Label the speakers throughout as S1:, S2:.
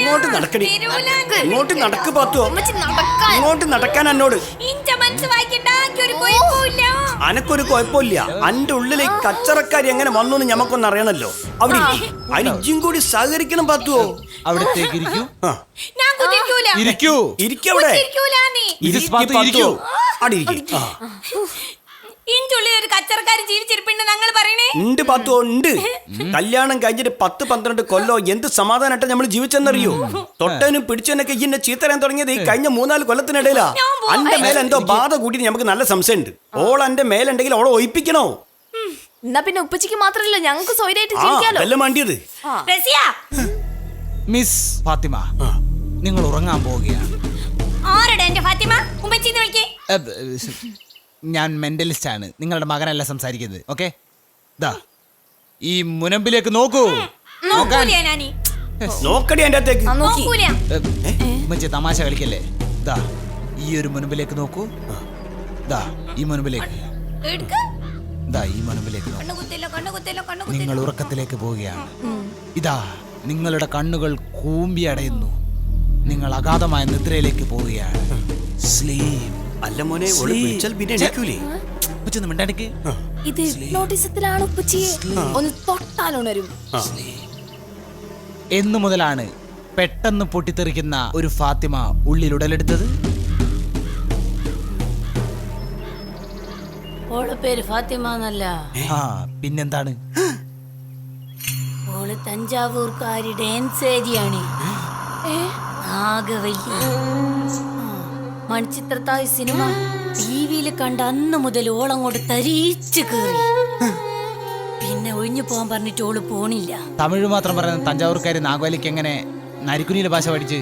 S1: ഇങ്ങോട്ട് നടക്കടി. ഇങ്ങോട്ട് നടക്ക് പാത്തോ. ഇങ്ങോട്ട് നടക്കാൻ എന്നോട്. അനക്കൊരു കുഴപ്പമില്ല. അന്റെ ഉള്ളിലെ കച്ചറക്കാരി എങ്ങനെ വന്നു എന്ന് ഞമ്മക്കൊന്ന് അറിയണല്ലോ. അവിടെ അതിന് ഇജ്ജും കൂടി സഹകരിക്കണം പാത്തുവോ.
S2: അവിടത്തേക്ക് ഇരിക്കൂ.
S1: ഇരിക്കൂ. ഇരിക്കവിടെ. ഇരിക്കൂ. അടി ഇരിക്കും.
S3: ഒരു കച്ചറക്കാരി ജീവിച്ചിരിപ്പുണ്ട് ഞങ്ങൾ പറയണേ.
S1: ഉണ്ട് പാത്തോ ഉണ്ട്. കല്യാണം കഴിഞ്ഞിട്ട് 10-12 കൊല്ലോ എന്ത് സമാധാനമായിട്ട് നമ്മൾ ജീവിച്ചെന്നറിയോ. തൊട്ടനും പിടിച്ചതിനൊക്കെ ഇന്നെ ചീത്തരാൻ തുടങ്ങിയത് ഈ കഴിഞ്ഞ 3-4 കൊല്ലത്തിനിടയിലാ. അന്റെ മേലെ എന്തോ ബാധ കൂട്ടി നമുക്ക് നല്ല സംശയമുണ്ട്. ഓൾ അന്റെ മേലുണ്ടെങ്കിൽ ഓളെ ഒഴിപ്പിക്കണോ?
S4: എന്നാ പിന്നെ ഉപ്പച്ചിക്ക് മാത്രല്ല ഞങ്ങൾക്ക് സ്വൈരായിട്ട് ജീവിക്കാലോ.
S1: അതല്ല വേണ്ടിയത്.
S2: മിസ് ഫാത്തിമ, നിങ്ങൾ ഉറങ്ങാൻ പോവുകയാണ്.
S3: ആരുടെ എന്റെ ഫാത്തിമ? ഉമ്മച്ചിന്ന് വിളിക്കേ.
S2: ഞാൻ മെന്റലിസ്റ്റ് ആണ്. നിങ്ങളുടെ മകനല്ല സംസാരിക്കുന്നത്. ഓക്കെ, ദാ ഈ മുനമ്പിലേക്ക് നോക്കൂ.
S1: നോക്കടി എന്റെ അകത്തേക്ക്.
S2: ഉമ്മച്ചി തമാശ കളിക്കല്ലേ. ദാ ഈ ഒരു മുനമ്പിലേക്ക് നോക്കൂ. ദാ ഈ മുനമ്പിലേക്ക്. ദാ ഈ മുനമ്പിലേക്ക് നോക്കൂ. നിങ്ങൾ ഉറക്കത്തിലേക്ക് പോവുകയാണ്. ഇതാ നിങ്ങളുടെ കണ്ണുകൾ കൂമ്പി അടയുന്നു. നിങ്ങൾ അഗാധമായ നിദ്രയിലേക്ക് പോവുകയാണ്. സ്ലീപ്.
S1: അല്ല മോനെ, വിളിച്ചാൽ പിന്നെ എണീക്കൂലേ?
S4: ഇത് നോട്ടീസത്തിലാണ് ഉപ്പച്ചിയെ. ഒന്ന് തൊട്ടാലുണരും.
S2: എന്നു മുതലാണ് പെട്ടെന്ന് പൊട്ടിത്തെറിക്കുന്ന ഒരു ഫാത്തിമ ഉള്ളിൽ ഉടലെടുത്തത്?
S3: ഓളെ പേര് ഫാത്തിമ എന്നല്ല.
S2: പിന്നെന്താണ്?
S3: ഓള് തഞ്ചാവൂർക്കാരി ഡാൻസ് ഏരിയാണ്. നാഗവല്ലി. മണിച്ചിത്രത്താഴ് സിനിമ ടിവിയിൽ കണ്ട അന്ന് മുതൽ ഓളങ്ങോട്ട് തരീച്ച് കേറി. പിന്നെ ഒഴിഞ്ഞു പോകാൻ പറഞ്ഞിട്ട് ഓള് പോണില്ല.
S2: തമിഴ് മാത്രം പറയുന്ന തഞ്ചാവൂർക്കാരി നാഗവല്ലിക്ക് എങ്ങനെ നരിക്കുനിയിലെ ഭാഷ പഠിച്ച്?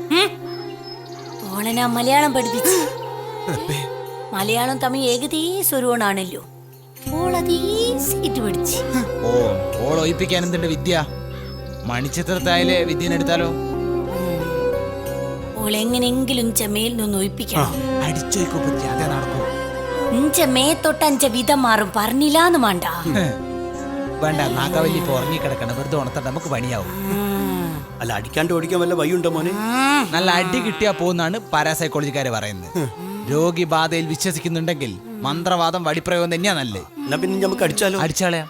S3: ഓളെ ഞാൻ മലയാളം പഠിപ്പിച്ചു. മലയാളം തമിഴ് ഏകദേശം ഒരുവണാണല്ലോ. ഓളതീസിട്ട് പഠിച്ചു.
S2: ഓൾ ഒഴിപ്പിക്കാൻ എന്തുണ്ട് വിദ്യ? മണിച്ചിത്രത്താഴിലെ വിദ്യനെടുത്താലോ?
S3: ഓളെങ്ങനെങ്കിലും ചെമയിൽ നിന്ന് ഒഴിപ്പിക്കണം.
S2: അടിച്ചോയ്ക്കേ നടക്കൂ.
S3: മേ തൊട്ട് 5 വിധം മാറും പറഞ്ഞില്ലാന്ന് വേണ്ട.
S2: വേണ്ട, നാഗവല്ലി ഇപ്പൊ ഉറങ്ങിക്കിടക്കണം. വെറുതെ ഉണർത്താൻ നമുക്ക് പണിയാവും.
S1: അല്ല, അടിക്കാണ്ട് ഓടിക്കാൻ വല്ല വഴിയുണ്ടോ മോനെ?
S2: നല്ല അടി കിട്ടിയാ പോകുന്നാണ് പാരാസൈക്കോളജിക്കാര് പറയുന്നത്. രോഗി ബാധയിൽ വിശ്വസിക്കുന്നുണ്ടെങ്കിൽ മന്ത്രവാദം വടിപ്രയോഗം തന്നെയാ നല്ലത്.
S1: എന്നാ പിന്നെ നമുക്ക് അടിച്ചാലോ?
S2: അടിച്ചാളയാ.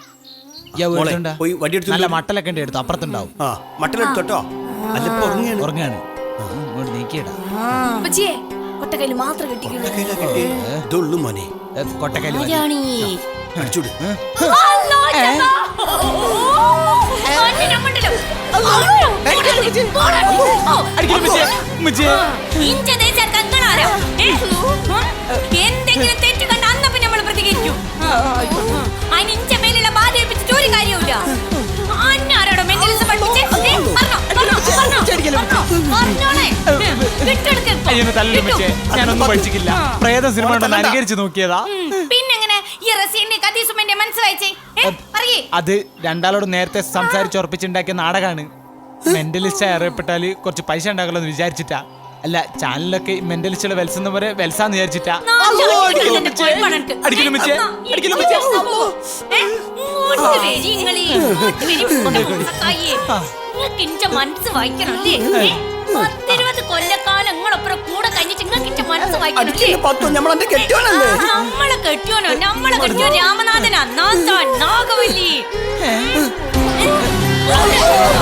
S2: നല്ല മട്ടലൊക്കെ ഉണ്ട്, എടുത്തു അപ്പുറത്തുണ്ടാവും.
S1: മട്ടലെടുത്തോട്ടോ. അല്ല,
S2: ഉറങ്ങാണ്. നീക്കിയിടാ.
S4: ഉപ്പച്ചിയെ കൊട്ടക്കൈല് മാത്രം
S1: ഇതുള്ളൂ മോനെ.
S2: കൊട്ടക്കൈല്
S1: അടിച്ചൂട്.
S3: എന്തെങ്കിലും തെറ്റ് കണ്ട അന്നപ്പോ നമ്മൾ പ്രതികരിക്കും. അതിന് മേലുള്ള ബാധ ഏൽപ്പിച്ചിട്ട് ഒരു കാര്യമില്ല. ആരോടോ മെന്റലിസം പഠിപ്പിച്ച്
S2: ഞാനൊന്നും പഠിച്ചിട്ടില്ല. പ്രേത സിനിമ അനുകരിച്ച് നോക്കിയതാ.
S3: പിന്നെങ്ങനെ മനസ്സിലായിച്ചേ?
S2: അത് രണ്ടാളോട് നേരത്തെ സംസാരിച്ചുറപ്പിച്ചുണ്ടാക്കിയ നാടകമാണ്. മെന്റലിസ്റ്റ് അറിയപ്പെട്ടാല് കുറച്ച് പൈസ ഉണ്ടാക്കല്ലോ എന്ന് വിചാരിച്ചിട്ടാ. അല്ല, ചാനലൊക്കെ മെന്റലിസ്റ്റുള്ള വെൽസെന്ന പോലെ വെൽസാന്ന് വിചാരിച്ചിട്ടാ.
S3: മനസ്സ് വായിക്കണല്ലേ? 10-20 കൊല്ലക്കാലം നിങ്ങളൊപ്പം കൂടെ കഴിഞ്ഞിട്ട് നിങ്ങൾക്ക് മനസ്സ് വായിക്കണല്ലേ? നമ്മളെ കെട്ടിയോനോ? നമ്മളെ കെട്ടിയോ രാമനാഥനാ? നാഗവല്ലി.